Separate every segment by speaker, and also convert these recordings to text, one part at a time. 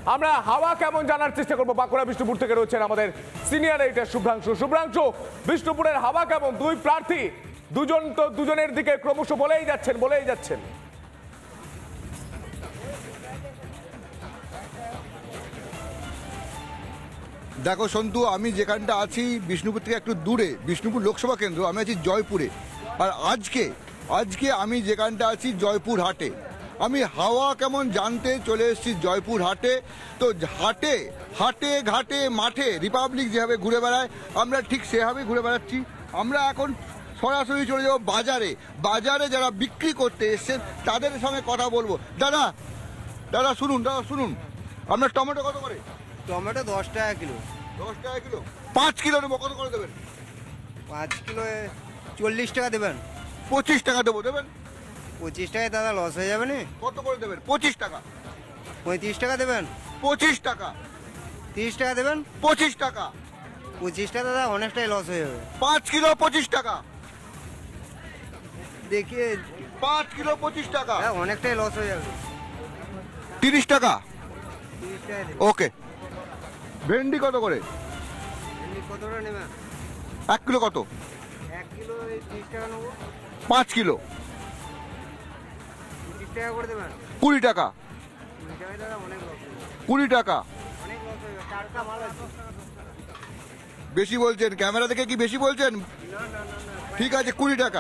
Speaker 1: আমরা হাওয়া কেমন জানার চেষ্টা করবো। বাঁকুড়া বিষ্ণুপুর থেকে রয়েছেন আমাদের সিনিয়র এডিটর শুভ্রাংশু। শুভ্রাংশু, বিষ্ণুপুরের হাওয়া কেমন? দুই প্রার্থী, দুজন তো দুজনের দিকে ক্রমশ বলেই যাচ্ছেন।
Speaker 2: দেখো সন্তু, আমি যেখানটা আছি বিষ্ণুপুর থেকে একটু দূরে, বিষ্ণুপুর লোকসভা কেন্দ্র, আমি আছি জয়পুরে। আর আজকে আমি যেখানটা আছি জয়পুর হাটে। আমি হাওয়া কেমন জানতে চলে এসেছি জয়পুর হাটে। তো হাটে ঘাটে মাঠে রিপাবলিক যেভাবে ঘুরে বেড়ায়, আমরা ঠিক সেভাবেই ঘুরে বেড়াচ্ছি। আমরা এখন সরাসরি চলে যাবো বাজারে যারা বিক্রি করতে এসছেন তাদের সঙ্গে কথা বলবো। দাদা শুনুন, আপনার টমেটো কত করে?
Speaker 3: টমেটো 10 টাকা কিলো।
Speaker 2: 10 টাকা কিলো। 5 কিলো নেবো, কত করে দেবেন?
Speaker 3: 5 কিলো 40 টাকা দেবেন।
Speaker 2: 25 টাকা দেবো, দেবেন?
Speaker 3: 25 টাকায় দাদা লস হয়ে যাবে না?
Speaker 2: কত করে দেবেন? 25 টাকা।
Speaker 3: 35 টাকা দেবেন।
Speaker 2: 25 টাকা।
Speaker 3: 30 টাকা দেবেন।
Speaker 2: 25 টাকা।
Speaker 3: 25 টাকা দাদা অনেকটাই লস হয়ে যাবে।
Speaker 2: 5 কিলো 25 টাকা।
Speaker 3: দেখিয়ে
Speaker 2: 5 কিলো 25 টাকা।
Speaker 3: অনেকটাই লস হয়ে যাবে।
Speaker 2: 30 টাকা।
Speaker 3: 30 টাকা দেবেন।
Speaker 2: ওকে। ভেন্ডি কত করে?
Speaker 3: এমনি কতটা নেবেন?
Speaker 2: 1 কিলো কত?
Speaker 3: 1 কিলো 30 টাকা নেবো।
Speaker 2: 5 কিলো
Speaker 3: 25 টাকা করে দেবেন।
Speaker 2: 20 টাকা।
Speaker 3: 20 টাকায় দাদা অনেক লস হয়ে যাবে।
Speaker 2: 20 টাকা।
Speaker 3: অনেক লস হয়ে যাবে। টাটকা মাল আছে।
Speaker 2: বেশি বলছেন, ক্যামেরা দেখে কি বেশি বলছেন? ঠিক আছে, 20 টাকা।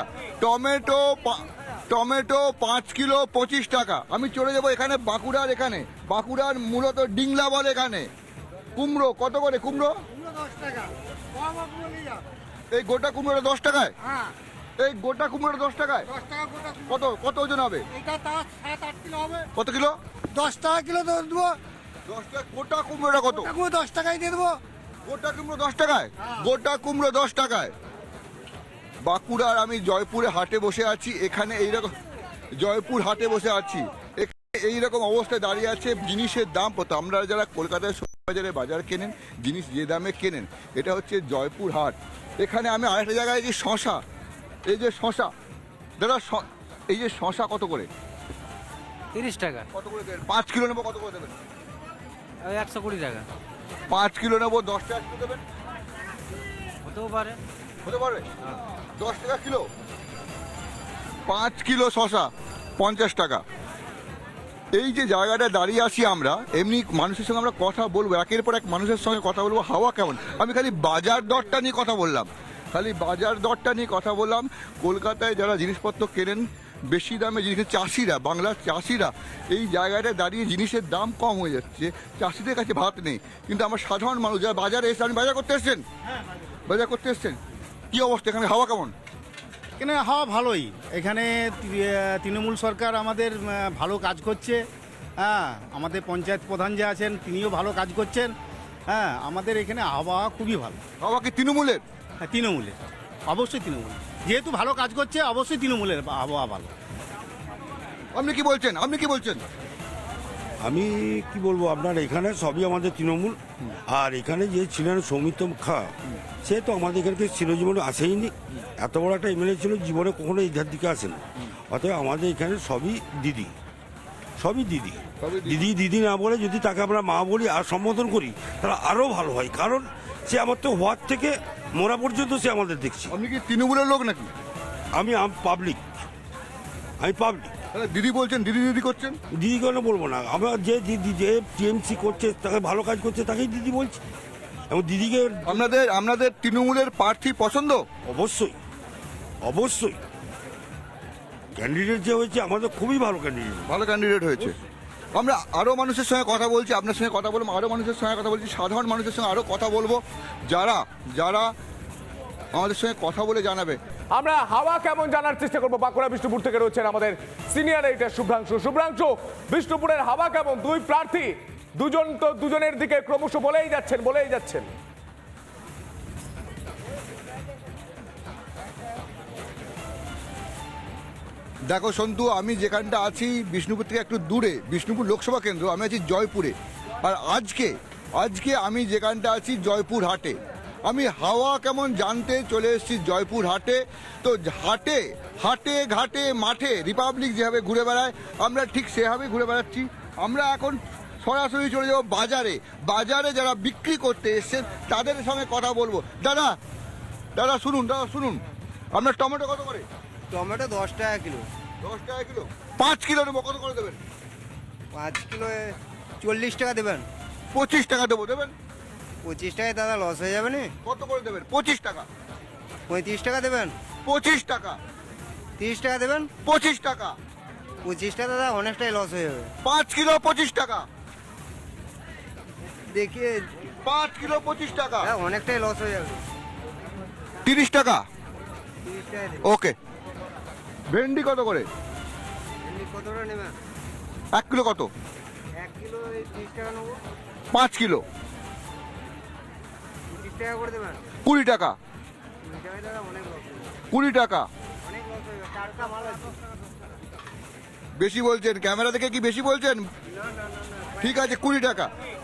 Speaker 2: টমেটো 5 কিলো 25 টাকা। আমি চলে যাবো এখানে বাঁকুড়ার মূলত ডিংলা বলে এখানে। কুমড়ো কত করে? কুমড়ো
Speaker 3: 10 টাকা। কম আপনি নিয়ে যান।
Speaker 2: এই গোটা কুমড়োটা 10 টাকায়?
Speaker 3: হ্যাঁ,
Speaker 2: এই গোটা কুমড়োটা 10 টাকায়?
Speaker 3: 10 টাকা গোটা।
Speaker 2: কত ওজন হবে?
Speaker 3: এটা তার 7-8 কিলো হবে।
Speaker 2: কত কিলো?
Speaker 3: 10 টাকা কিলো দেবো।
Speaker 2: 10 টাকা। গোটা কুমড়োটা কত?
Speaker 3: কাকুও 10 টাকায় দিয়ে দেবো।
Speaker 2: গোটা কুমড়ো 10 টাকায়?
Speaker 3: হ্যাঁ।
Speaker 2: গোটা কুমড়ো 10 টাকায়। বাঁকুড়ার আমি জয়পুরে হাটে বসে আছি। এখানে এইরকম জয়পুর হাটে বসে আছি। এখানে এইরকম অবস্থায় দাঁড়িয়ে আছে জিনিসের দাম কত। আমরা যারা কলকাতায় বাজারে বাজার কেনেন, জিনিস যে দামে কেনেন, এটা হচ্ছে জয়পুর হাট। এখানে আমি আরেকটা জায়গায় যে শশা, এই যে শশা, দাদা এই যে শশা কত করে?
Speaker 4: 30 টাকা।
Speaker 2: কত করে দেবেন? 5 কিলো নেবো, কত করে দেবেন?
Speaker 4: ওই 120 টাকা
Speaker 2: 5 কিলো নেবো, 10 টাকা কিলো দেবেন?
Speaker 4: হতেও পারে।
Speaker 2: হতে পারবে? 10 টাকা কিলো। 5 কিলো শশা 50 টাকা। এই যে জায়গাটা দাঁড়িয়ে আছি আমরা, এমনি মানুষের সঙ্গে আমরা কথা বলবো, একের পর এক মানুষের সঙ্গে কথা বলবো হাওয়া কেমন। আমি খালি বাজার দরটা নিয়ে কথা বললাম। কলকাতায় যারা জিনিসপত্র কেনেন বেশি দামে, জিনিস বাংলার চাষিরা এই জায়গাটায় দাঁড়িয়ে জিনিসের দাম কম হয়ে যাচ্ছে, চাষিদের কাছে ভাত নেই। কিন্তু আমার সাধারণ মানুষ যারা বাজারে এসে, আপনি বাজার করতে এসছেন, কি অবস্থা এখানে হাওয়া কেমন?
Speaker 5: এখানে হাওয়া ভালোই। এখানে তৃণমূল সরকার আমাদের ভালো কাজ করছে। হ্যাঁ, আমাদের পঞ্চায়েত প্রধান যে আছেন তিনিও ভালো কাজ করছেন। হ্যাঁ, আমাদের এখানে আবহাওয়া খুবই ভালো।
Speaker 2: হাওয়া কি তৃণমূলের?
Speaker 5: হ্যাঁ, তৃণমূলের, অবশ্যই তৃণমূল। যেহেতু ভালো কাজ করছে অবশ্যই তৃণমূলের আবহাওয়া ভালো।
Speaker 2: আপনি কি বলছেন?
Speaker 6: আমি কি বলবো, আপনার এখানে সবই আমাদের তৃণমূল। আর এখানে যে ছিলেন সৌমিত্র খা, সে তো আমাদের এখানকে চিরজীবনে আসেইনি। এত বড় একটা এমএলএ ছিল, জীবনে কখনো এই ধার দিকে আসে না। অতএব আমাদের এখানে সবই দিদি। দিদি না বলে যদি তাকে আমরা মা বলি আর সম্বোধন করি, তাহলে আরও ভালো হয়। কারণ সে আমার তো হওয়ার থেকে মরা পর্যন্ত সে আমাদের দেখছে।
Speaker 2: আপনি কি তৃণমূলের লোক নাকি?
Speaker 6: আমি পাবলিক।
Speaker 2: তাহলে দিদি বলছেন, দিদি করছেন?
Speaker 6: দিদি কেন বলবো না? আমরা যে টিএমসি করছে, তাকে ভালো কাজ করছে, তাকেই দিদি বলছি। এবং দিদিকে
Speaker 2: আপনাদের তৃণমূলের প্রার্থী পছন্দ?
Speaker 6: অবশ্যই ক্যান্ডিডেট যে হয়েছে আমাদের খুবই ভালো
Speaker 2: ক্যান্ডিডেট হয়েছে। আমরা আরো মানুষের সঙ্গে কথা বলছি, আপনার সঙ্গে কথা বলবো, আরো মানুষের সঙ্গে কথা বলছি, সাধারণ মানুষের সঙ্গে আরো কথা বলবো, যারা আমাদের সঙ্গে কথা বলে জানাবে।
Speaker 1: আমরা হাওয়া কেমন জানার চেষ্টা করবো। বাঁকুড়া বিষ্ণুপুর থেকে রয়েছেন আমাদের সিনিয়র এডিটর শুভ্রাংশু, বিষ্ণুপুরের হাওয়া কেমন? দুই প্রার্থী, দুজন তো দুজনের দিকে ক্রমশ বলেই যাচ্ছেন।
Speaker 2: দেখো সন্তু, আমি যেখানটা আছি বিষ্ণুপুর থেকে একটু দূরে, বিষ্ণুপুর লোকসভা কেন্দ্র, আমি আছি জয়পুরে। আর আজকে আমি যেখানটা আছি জয়পুর হাটে। আমি হাওয়া কেমন জানতে চলে এসেছি জয়পুর হাটে। তো হাটে ঘাটে মাঠে রিপাবলিক যেভাবে ঘুরে বেড়ায়, আমরা ঠিক সেভাবেই ঘুরে বেড়াচ্ছি। আমরা এখন সরাসরি চলে যাবো বাজারে। বাজারে যারা বিক্রি করতে এসছেন তাদের সঙ্গে কথা বলবো। দাদা দাদা শুনুন, আপনার টমেটো কত করে?
Speaker 7: টমেটো 10 টাকা কিলো।
Speaker 2: 10 টাকা কিলো। 5 কিলো নেবো, কত করে দেবেন?
Speaker 7: 5 কিলো 40 টাকা দেবেন।
Speaker 2: 25 টাকা দেবো, দেবেন?
Speaker 7: 25 টাকায় দাদা লস হয়ে যাবে না?
Speaker 2: কত করে দেবেন? 25 টাকা।
Speaker 7: 35 টাকা দেবেন।
Speaker 2: 25 টাকা।
Speaker 7: 30 টাকা দেবেন।
Speaker 2: 25 টাকা।
Speaker 7: 25 টাকা দাদা অনেকটাই লস হয়ে যাবে।
Speaker 2: 5 কিলো 25 টাকা।
Speaker 7: দেখিয়ে
Speaker 2: 5 কিলো 25 টাকা।
Speaker 7: হ্যাঁ অনেকটাই লস হয়ে যাবে।
Speaker 2: 30 টাকা।
Speaker 7: 30 টাকা দেবেন।
Speaker 2: ওকে। ভেন্ডি কত করে?
Speaker 7: এমনি কতটা নেবেন?
Speaker 2: 1 কিলো কত?
Speaker 7: 1 কিলো 30 টাকা নেবো।
Speaker 2: 5 কিলো
Speaker 7: 30 টাকা করে দেবেন।
Speaker 2: 20 টাকা।
Speaker 7: 20 টাকায় দাদা অনেক লস হয়ে যাবে।
Speaker 2: 20 টাকা।
Speaker 7: অনেক লস হয়ে যাবে। টাটকা মাল আছে।
Speaker 2: বেশি বলছেন, ক্যামেরা দেখে কি বেশি বলছেন? ঠিক আছে 20 টাকা।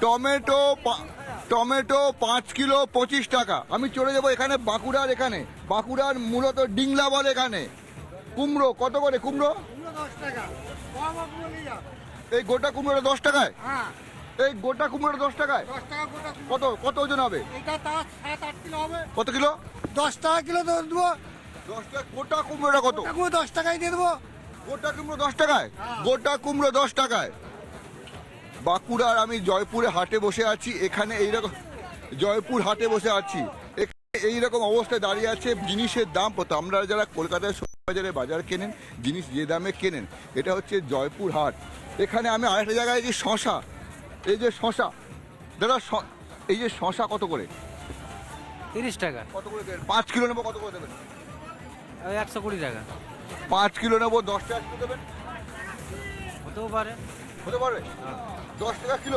Speaker 2: টমেটো 5 কিলো 25 টাকা। আমি চলে যাবো এখানে বাঁকুড়ার মূলত ডিংলা বলে এখানে। কুমড়ো কত করে? কুমড়ো
Speaker 3: 10 টাকা কম আপনি নিয়ে যান।
Speaker 2: এই গোটা কুমড়োটা 10 টাকায়।
Speaker 3: হ্যাঁ
Speaker 2: এই গোটা কুমড়োটা 10 টাকায়।
Speaker 3: 10 টাকা গোটা কুমড়ো।
Speaker 2: কত ওজন হবে?
Speaker 3: এটা তার 7-8 কিলো হবে।
Speaker 2: কত কিলো?
Speaker 3: 10 টাকা কিলো দেবো।
Speaker 2: 10 টাকা। গোটা কুমড়োটা কত?
Speaker 3: এখন 10 টাকায় দিয়ে দেবো।
Speaker 2: গোটা কুমড়ো 10 টাকায়। গোটা কুমড়ো 10 টাকায়। বাঁকুড়ার আমি জয়পুরে হাটে বসে আছি। এখানে এইরকম জয়পুর হাটে বসে আছি। এখানে এইরকম অবস্থায় দাঁড়িয়ে আছে জিনিসের দাম কত। আমরা যারা কলকাতায় বাজারে বাজার কেনেন, জিনিস যে দামে কেনেন, এটা হচ্ছে জয়পুর হাট। এখানে আমি আরেকটা জায়গায় যে শশা, এই যে শশা দাদা, এই যে শশা কত করে?
Speaker 4: 30 টাকা।
Speaker 2: কত করে দেবেন? 5 কিলো নেবো, কত করে দেবেন?
Speaker 4: ওই 120 টাকা।
Speaker 2: 5 কিলো নেবো, 10 টাকা কিলো দেবেন?
Speaker 4: হতেও পারে।
Speaker 2: হতে পারবে? 10 টাকা কিলো।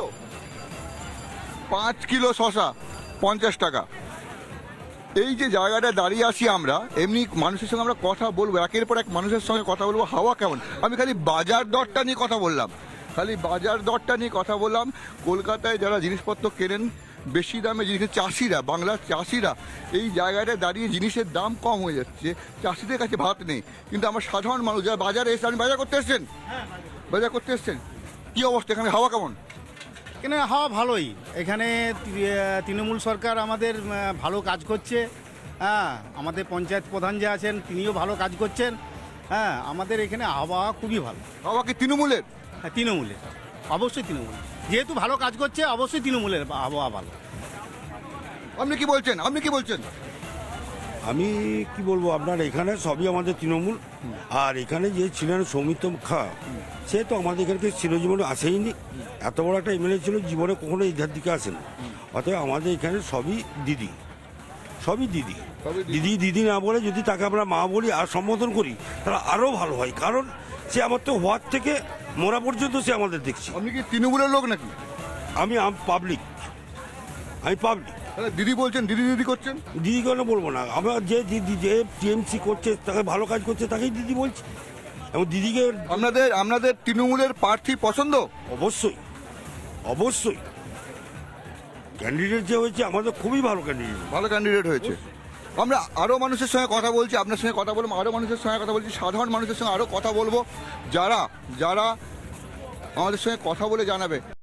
Speaker 2: 5 কিলো শশা 50 টাকা। এই যে জায়গাটা দাঁড়িয়ে আছি আমরা, এমনি মানুষের সঙ্গে আমরা কথা বলবো, একের পর এক মানুষের সঙ্গে কথা বলবো হাওয়া কেমন। আমি খালি বাজার দরটা নিয়ে কথা বললাম, কলকাতায় যারা জিনিসপত্র কেনেন বেশি দামে জিনিস, চাষিরা, বাংলার চাষিরা এই জায়গাটায় দাঁড়িয়ে জিনিসের দাম কম হয়ে যাচ্ছে, চাষিদের কাছে ভাত নেই। কিন্তু আমরা সাধারণ মানুষ যারা বাজারে এসে, আপনি বাজার করতে এসছেন, কি অবস্থা এখানে, হাওয়া কেমন?
Speaker 5: এখানে হাওয়া ভালোই। এখানে তৃণমূল সরকার আমাদের ভালো কাজ করছে। হ্যাঁ, আমাদের পঞ্চায়েত প্রধান যে আছেন তিনিও ভালো কাজ করছেন। হ্যাঁ, আমাদের এখানে আবহাওয়া খুবই ভালো।
Speaker 2: হাওয়া কি তৃণমূলের?
Speaker 5: হ্যাঁ, তৃণমূলের, অবশ্যই তৃণমূল। যেহেতু ভালো কাজ করছে অবশ্যই তৃণমূলের আবহাওয়া ভালো।
Speaker 2: আপনি কি বলছেন?
Speaker 6: আমি কি বলবো, আপনার এখানে সবই আমাদের তৃণমূল। আর এখানে যে ছিলেন সৌমিত্র খা, সে তো আমাদের এখানকে চিরজীবনে আসেইনি। এত বড় একটা এমএলএ ছিল, জীবনে কখনো এই ধার দিকে আসেন। অতএব আমাদের এখানে সবই দিদি। দিদি না বলে যদি তাকে আমরা মা বলি আর সম্বোধন করি, তাহলে আরও ভালো হয়। কারণ সে আমার তো হওয়ার থেকে মরা পর্যন্ত সে আমাদের দেখছি।
Speaker 2: আপনি কি তৃণমূলের লোক নাকি?
Speaker 6: আমি পাবলিক।
Speaker 2: তাহলে দিদি বলছেন, দিদি করছেন।
Speaker 6: দিদি কেন বলবো না? আমরা যে টিএমসি করছে, তাকে ভালো কাজ করছে, তাকেই দিদি বলছি। এবং দিদিকে
Speaker 2: আপনাদের তৃণমূলের প্রার্থী পছন্দ?
Speaker 6: অবশ্যই ক্যান্ডিডেট যে হয়েছে আমাদের খুবই ভালো
Speaker 2: ক্যান্ডিডেট হয়েছে। আমরা আরো মানুষের সঙ্গে কথা বলছি, আপনার সঙ্গে কথা বলবো, আরো মানুষের সঙ্গে কথা বলছি, সাধারণ মানুষের সঙ্গে আরো কথা বলবো, যারা আমাদের সঙ্গে কথা বলে জানাবে